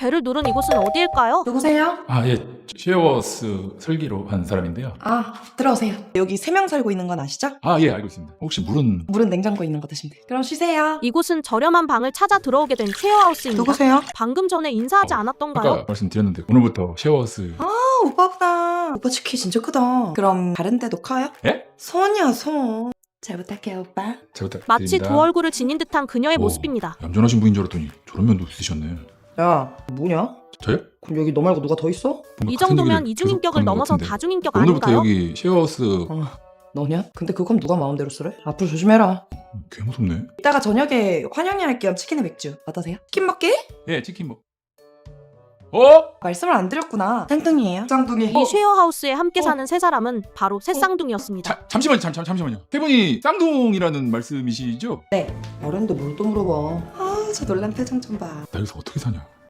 배를 누른 이곳은 어디일까요? 누구세요? 아, 예. 쉐어워스 설계로 한 사람인데요. 아, 들어오세요. 여기 3명 살고 있는 건 아시죠? 아, 예, 알고 있습니다. 혹시 물은 물은 냉장고에 있는 거 드시면 돼요. 그럼 쉬세요. 이곳은 저렴한 방을 찾아 들어오게 된 쉐어하우스입니다. 누구세요? 방금 전에 인사하지 않았던가요? 아까 말씀드렸는데 오늘부터 쉐어워스 오빠구나. 오빠 치키 진짜 크다. 그럼 다른 데도 커요? 예? 손이야, 손. 잘 부탁해요, 오빠. 잘 부탁드립니다. 마치 두 얼굴을 지닌 듯한 그녀의 오, 모습입니다. 얌전하신 분인 줄 알았더니 저런 면도 있으셨네. 야, 뭐냐? 저요? 그럼 여기 너 말고 누가 더 있어? 뭔가 이 같은 정도면 얘기를 이중인격을 계속하는 것 넘어서 같은데. 다중인격 오늘부터 아닌가요? 여기 쉐어워스 너냐? 근데 그건 누가 마음대로 쓰래? 앞으로 조심해라. 개 무섭네. 이따가 저녁에 환영회 할 겸 치킨에 맥주 어떠세요? 치킨 먹게? 예, 치킨 뭐. 어? 말씀을 안 드렸구나. 쌍둥이에요? 쌍둥이. 이 쉐어하우스에 함께 사는 세 사람은 바로 새쌍둥이였습니다. 잠시만요. 세 분이 쌍둥이라는 말씀이시죠? 말했는데 뭘 또 물어봐. 아, 저 놀란 표정 좀 봐. 나 여기서 어떻게 사냐?